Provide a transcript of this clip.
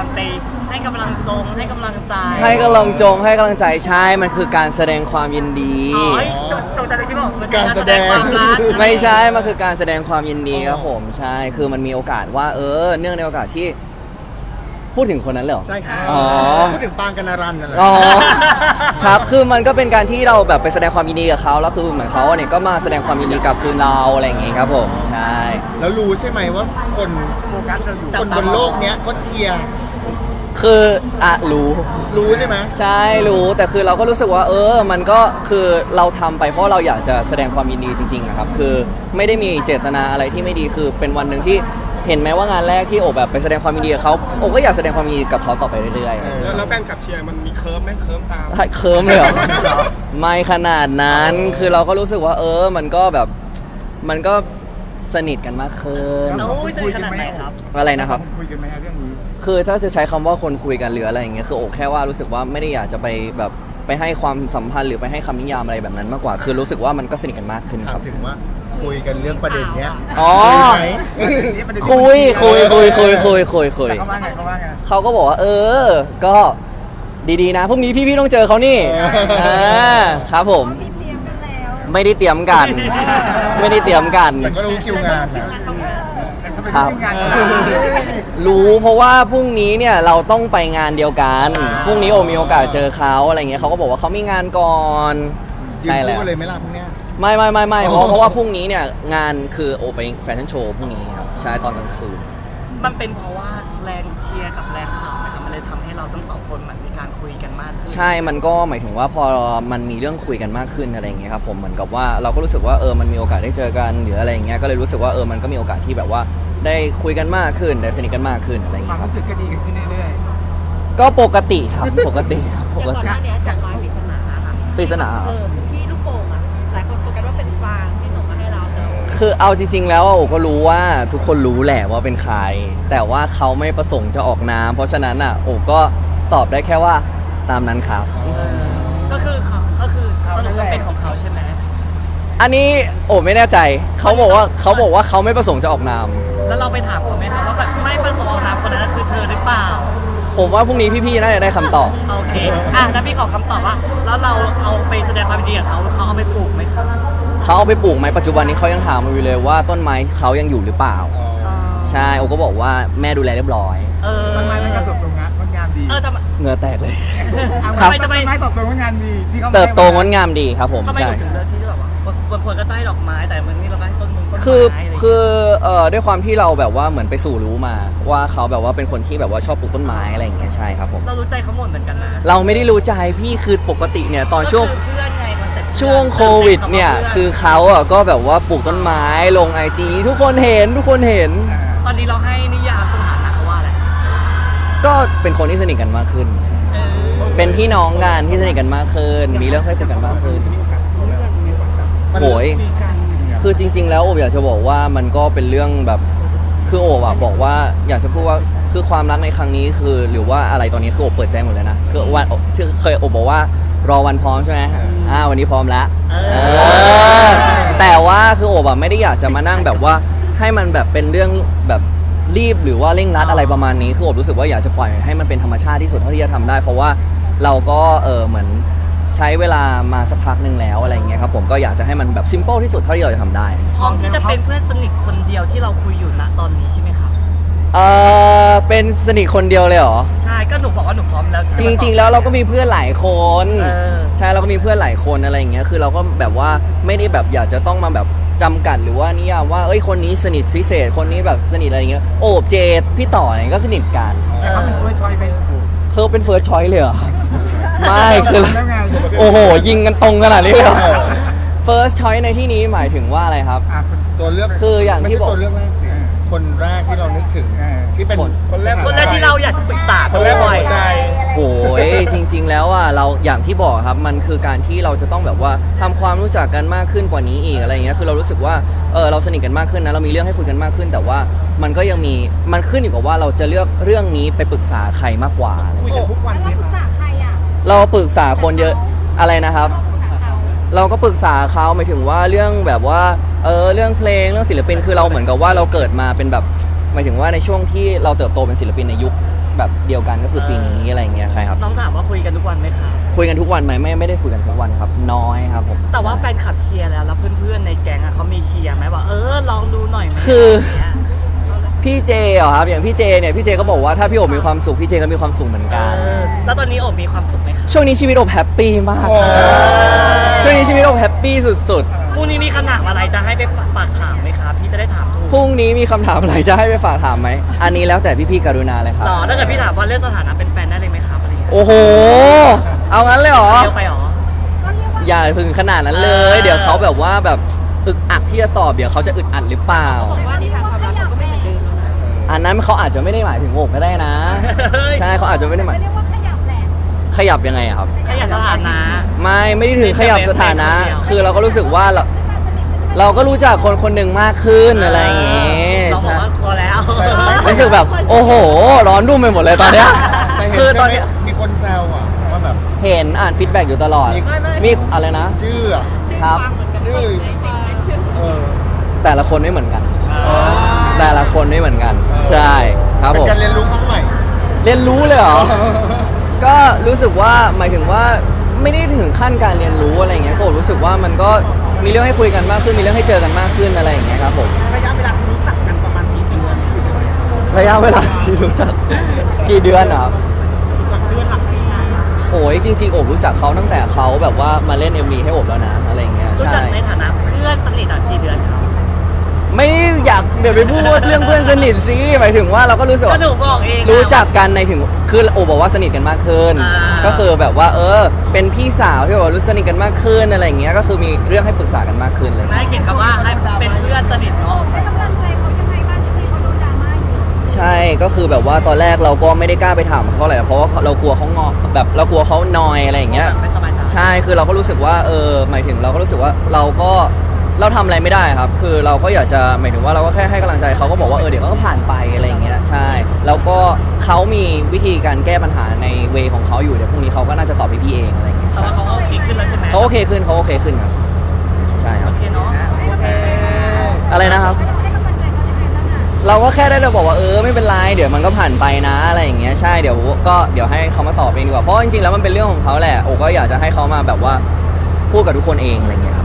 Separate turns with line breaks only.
การไปให้กำลังใจให้กำลังใจ
ให้กำลังใจใช่มันคือการแสดงความยินดี
ตรงใจเลยที่บอกมัน
การแสดง
ความรัก
ไม่ใช่มันคือการแสดงความยินดีครับผมใช่คือมันมีโอกาสว่าเนื่องในโอกาสที่พูดถึงคนนั้นเลยเหรอ
ใช่ครับ
อ๋อ
พูดถึงปางกันนารันนั่นแหละ
อ๋อครับคือมันก็เป็นการที่เราแบบไปแสดงความยินดีกับเขาแล้วคือเหมือนเขาเนี่ยก็มาแสดงความยินดีกับคืนเราอะไรอย่างงี้ครับผมใช่
แล้วรู้ใช่ไหมว่าคนโฟกัสเราอยู่คนบนโลกเนี้ยก็เชียร์
คือรู้
ใช่ไหม
ใช่รู้แต่คือเราก็รู้สึกว่ามันก็คือเราทำไปเพราะเราอยากจะแสดงความยินดีจริงๆนะครับคือไม่ได้มีเจตนาอะไรที่ไม่ดีคือเป็นวันหนึ่งที่เห็นไหมว่างานแรกที่โอบแบบไปแสดงความยินดีกับเขาโอบก็อยากแสดงความยินดีกับเขาต่อไปเรื่อย
ๆแล้วแฟนคลับเชียร์มันมีเคิร์ฟไหมเคิร์ฟตาม
เคิร์มเลยเหรอไม่ขนาดนั้นคือเราก็รู้สึกว่ามันก็แบบมันก็สนิทกันมากขึ้น
สนิทขนาดไหนครับ
อะไรนะครับ
คุยกันไหมเรื่องนี้
คือถ้าจะใช้คำว่าคนคุยกันหรืออะไรอย่างเงี้ยคือโอบแค่ว่ารู้สึกว่าไม่ได้อยากจะไปแบบไปให้ความสัมพันธ์หรือไปให้คำนิยามอะไรแบบนั้นมากกว่าคือรู้สึกว่ามันก็สนิทกันมากขึ้นครับ
ถึงว่าคุยกันเรื่องประเด็นเนี้ย
คุยเขาว่าไงเขาก็บอกว่าก็ดีๆนะพรุ่งนี้พี่ๆต้องเจอเขานี่ครับผมไม่ได้เตรียมกัน
แต่ก็รู้คิวงาน
ครับรู้เพราะว่าพรุ่งนี้เนี่ยเราต้องไปงานเดียวกันพรุ่งนี้โอมีโอกาสเจอเขาอะไรเงี้ยเขาก็บอกว่าเขามีงานก่อน
ใช่แล้วเลยไม่รับพรุ่งนี้
ไม่เพราะว่าพรุ่งนี้เนี่ยงานคือโอไปแฟชั่นโชว์พรุ่งนี้ครับใช่ตอนกลางคืน
มันเป็นเพราะว่าแรงเชียร์กับแรงข่าวนะครับมันเลยทำให้เราทั้งสองคนมันมีการคุยกันมากขึ้น
ใช่มันก็หมายถึงว่าพอมันมีเรื่องคุยกันมากขึ้นอะไรอย่างเงี้ยครับผมเหมือนกับว่าเราก็รู้สึกว่ามันมีโอกาสได้เจอกันหรืออะไรอย่างเงี้ยก็เลยรู้สึกว่ามันก็มีโอกาสที่แบบว่าได้คุยกันมากขึ้นได้สนิทกันมากขึ้นอะไรอย่างเงี้ยครับ
รู้สึกก็ดีขึ้นเรื่อย
ๆก็ปกติครับปกติ
ก่อนหน้านี้จากรอยปริศนาค่ะ
ปริศนา
ที่ลูกโป่งอ่ะหลายคนโฟกัสว่าเป็นฟางที่ส่งมาให้เรา
คือเอาจริงๆแล้วโอก็รู้ว่าทุกคนรู้แหละว่าเป็นใครแต่ว่าเขาไม่ประสงค์จะออกนามเพราะฉะนั้นโอก็ตอบได้แค่ว่าตามนั้นครับ
ก็คือสรุปว่าเป็นของเขาใช่ไหม
อันนี้โอไม่แน่ใจเขาบอกว่าเขาไม่ประสงค์จะออกนาม
แล้วเราไปถามเขาไหมครับว่าแบบไม่ประสงค์ออกนามคนนั้นคือเธอหรือเปล่า
ผมว่าพรุ่งนี้พี่ๆน่าจะได้คำตอบ
โอเคถ้าพี่ขอคำตอบว่าแล้วเราเอาไปแสดงความยินดีกับเขาเอาไปปลูกไหมครับ
เขาเอาไปปลูกไหมปัจจุบันนี้เขายังถามอยู่เลยว่าต้นไม้เขายังอยู่หรือเปล่าใช่โอก็บอกว่าแม่ดูแลเรียบร้อย
ต้นไม้มันก็เติบโตงามดี
เหงื่อแตกเลย
ครับต้นไม้เติบโตงามดี
เติบโตงดงามดีครับผม
ใช่ถึงเรื่องที่แบบว่าบางคนก็ใต้ดอกไม้แต่เมืองนี้เราก็ให้ต้นไม้
คือด้วยความที่เราแบบว่าเหมือนไปสู่รู้มาว่าเขาแบบว่าเป็นคนที่แบบว่าชอบปลูกต้นไม้อะไรอย่างเงี้ยใช่ครับผม
เรารู้ใจเขาหมดเหมือนกันนะ
เราไม่ได้รู้ใจพี่คือปกติเนี่ยตอนช่วง
เพื่อนไงคอนเซ็ปต์
ช่วงโควิดเนี่ยคือเขาก็แบบว่าปลูกต้นไม้ลง IG ทุกคนเห็น
ตอนนี้เราให้นิยามสถานะเขาว่าอะไร
ก็เป็นคนที่สนิทกันมากขึ้นเป็นพี่น้องกันที่สนิทกันมากขึ้นมีเรื่องให้คุยกันมากขึ้นโอยคือจริงๆแล้วโอบอยากจะบอกว่ามันก็เป็นเรื่องแบบคือโอบบอกว่าอยากจะพูดว่าคือความรักในครั้งนี้คือหรือว่าอะไรตอนนี้คือโอบเปิดใจหมดเลยนะคือวันที่เคยโอบบอกว่ารอวันพร้อมใช่ไหมวันนี้พร้อมแล้วแต่ว่าคือโอบไม่ได้อยากจะมานั่งแบบว่าให้มันแบบเป็นเรื่องแบบรีบหรือว่าเร่งรัดอะไรประมาณนี้คือโอบรู้สึกว่าอยากจะปล่อยให้มันเป็นธรรมชาติที่สุดเท่าที่จะทำได้เพราะว่าเราก็เหมือนใช้เวลามาสักพักนึงแล้วอะไรอย่างเงี้ยครับผมก็อยากจะให้มันแบบซิมเปิลที่สุดเท่าที่เราจะทำได้
พร้อมที่จะเป็นเพื่อนสนิทคนเดียวที่เราคุยอยู่ณตอนนี้ใช่ไหมครับ
เป็นสนิทคนเดียวเลยเหรอ
ใช่ก็หนูบอกว่าหนูพร้อมแล้ว
จริงๆแล้วเราก็มีเพื่อนหลายคนใช่เราก็มีเพื่อนหลายคนอะไรอย่างเงี้ยคือเราก็แบบว่าไม่ได้แบบอยากจะต้องมาแบบจำกัดหรือว่านิยามว่าคนนี้สนิทพิเศษคนนี้แบบสนิทอะไรอย่างเงี้ยโอบเจดพี่ต่ออะไรก็สนิทกัน
แต่เขาเป็นเฟิร์สชอยส์
เขาเป็นเฟิร์สชอยส์เลยเหรอไม่คือโอ้โหยิงกันตรงขนาดนี้เลยfirst choice ในที่นี้หมายถึงว่าอะไรครับ
ตัวเลือก
คืออย่างที่บอก
ตัวเลือกแรกสิคนแรกที่เรานึกถึงที่เป็น
คนแรกที่เราอยากจะปรึกษาคนแรกหัวใจ
โอ้ยจริงๆแล้วเราอย่างที่บอกครับมันคือการที่เราจะต้องแบบว่าทำความรู้จักกันมากขึ้นกว่านี้อีกอะไรเงี้ยคือเรารู้สึกว่าเราสนิทกันมากขึ้นนะเรามีเรื่องให้คุยกันมากขึ้นแต่ว่ามันก็ยังมีมันขึ้นอยู่กับว่าเราจะเลือกเรื่องนี้ไปปรึกษาใครมากกว่า
คุยกันทุกวัน
เราปรึกษาใคร
เราปรึกษาคนเยอะอะไรนะครับเราก็ปรึกษาเขาหมายถึงว่าเรื่องแบบว่าเรื่องเพลงเรื่องศิลปินคือเราเหมือนกับว่าเราเกิดมาเป็นแบบหมายถึงว่าในช่วงที่เราเติบโตเป็นศิลปินในยุคแบบเดียวกันก็คือปีนี้อะไรอย่างเงี้ยใช่ครับ
น้องถามว่าคุยกันทุกวันไหมครับ
คุยกันทุกวันไหมไม่ได้คุยกันทุกวันครับน้อยครับผม
แต่ว่าแฟนคลับเชียร์แล้วเพื่อนๆในแก๊งอะเขามีเชียร์ไหมว่าลองดูหน่อยไหม
คือ
ะไรย่างเงี้ย
พี่เจเหรอครับอย่างพี่เจเนี่ยพี่เจก็บอกว่าถ้าพี่โอบมีความสุขพี่เจก็มีความสุขเหมือนกัน
แล้วตอนนี้โอบมีความสุขไหมครับ
ช่วงนี้ชีวิตโอบแฮปปี้มาก
โอ้
ช่วงนี้ชีวิตโอบแฮปปี้สุด
พรุ่งนี้มีคำถามอะไรจะให้ไปฝากถามไหมครับพี่จะได้ถามถูก
ๆพรุ่งนี้มีคำถามอะไรจะให้ไปฝากถามไหมอันนี้แล้วแต่พี่ๆกรุณาเลยครับ
ต่อถ้าเกิดพี่ถามว่าเรื่องสถานะเป็นแฟนได้เลยไหมครับอะไรอย่างเงี้ย
โอ้โหเอางั้นเลยเหรอ
เร็วไปหรอ
อย่าพึงขนาดนั้นเลย เดี๋ยวเขาแบบว่าแบบอึกอักที่จะตอบเดี๋ยวเขาจะอึดอัดหรือเปล่า
บอกว่านิทานความรักเขาก็ไม่เหมือนเดิมแล้วนะ
อันนั้นเขาอาจจะไม่ได้หมายถึงโอบก็ได้นะ ใช่เขาอาจจะไม่ได้หมาย
เรียกว่าขยับแหละ
ขยับยังไงอะครับ
ขยับสถานะ
ไม่ได้ถึงขยับสถานะ
เป็นคนเดียว
คือเราก็รู้สึกว่าเรา
ขึ้นมาสนิทขึ้นมา
เราก็รู้จักคนคนหนึ่งมากขึ้นอะไรอย่างงี้
เราบอก
ใช่
ว่าพอแล้ว
รู้สึกแบบโอ้โห ร้อนรุ่มไปหมดเลยตอนเนี้ย
แต่เห็น
คือ
ใช่
ตอน
ไหม
เนี้ย
มีคนแซวอะว่าแบบ
เห็นอ่านฟีดแบ็กอยู่ตลอด มีอะไรนะ
ชื่ออะ
ชื่อ
ครับ
ฟังเหมือนกัน
ชื่อ
ในเพลงในชื่อ
เออ
แต่ละคนไม่เหมือนกัน แต่ละคนไม่เหมือนกัน ใช่ครับ
เป็
ผ
น
ม
การเรียนรู้ครั้งใหม่
เรียนรู้เลยเหรอ ก็รู้สึกว่าหมายถึงว่าไม่ได้ถึงขั้นการเรียนรู้อะไรอย่างเงี้ยก็รู้สึกว่ามันก็มีเรื่องให้คุยกันมากขึ้นมีเรื่องให้เจอกันมากขึ้นอะไรอย่างเงี้ยครับผม
ระยะเวลาที่รู้จักกันประมาณกี่เดือน
ระยะเวลาที่รู้จักกี่เดือนอะครับ
หลักเดือนหลักปี
โอ้ยจริงๆโอบรู้จักเขาตั้งแต่เขาแบบว่ามาเล่น MV ให้โอบแล้วนะอะไรอย่างเงี้ย
รู้
ใช่
จักในฐานะเพื่อนสนิทกี่เดือนครับ
ไม่ได้อยากเดี๋ยวไปพูดเรื่องเพื่อนสนิทสิหมายถึงว่าเราก็รู้สึก
ก็
ว่า
หนูบอกเองอะ
รู้จักกันในถึงคือโอบบอกว่าสนิทกันมากขึ้น
อ่า
ก็คือแบบว่าเป็นพี่สาวที่แบบว่ารู้สนิทกันมากขึ้นอะไรอย่างเงี้ยก็คือมีเรื่องให้ปรึกษากันมากขึ้นเลย
นายเขียนคำว่าให้เป็นเพื่อนสนิท
โอ
เนาะ
บให้กำลังใจเขายังไงบ้างช่วงนี้เขาโดนดราม่าอยู่
ใช่ก็คือแบบว่าตอนแรกเราก็ไม่ได้กล้าไปถามเขาอะไรเพราะว่าเรากลัวเขางอแบบเรากลัวเขานอยอะไรอย่างเงี้ย
แบบไม่สบายใจ
ใช่คือเราก็รู้สึกว่าหมายถึงเราก็รู้สึกว่าเราทำอะไรไม่ได้ครับ คือเราก็อยากจะหมายถึงว่าเราก็แค่ให้กำลังใจเขาก็บอกว่าเดี๋ยวก็ผ่านไปอะไรอย่างเงี้ยใช่แล้วก็เขามีวิธีการแก้ปัญหาในเวของเขาอยู่เดี๋ยวพรุ่งนี้เขาก็น่าจะตอบพี่ๆเองอะไรอย่างเงี้ย
แต่
ใช่
ว่าเขาก็โอเคขึ้นแล้วใช่ไหม
เขาโอเคขึ้นครับใช่ค
โอ
รับ
เคเนาะ
ให้กำลังใจเขา
อะไรนะครับ
ให้กำลังใจเขายังไงบ้างอะ
เราก็แค่ได้เราบอกว่าไม่เป็นไรเดี๋ยวมันก็ผ่านไปนะอะไรอย่างเงี้ยใช่เดี๋ยวให้เขามาตอบเองดีกว่าเพราะจริงๆแล้วมันเป็นเรื่องของเขาแหละโอก็อยากจะให้เขามาแบบว่าพูดกับทุกคนเองอะไรอย่างเงี้ยครับ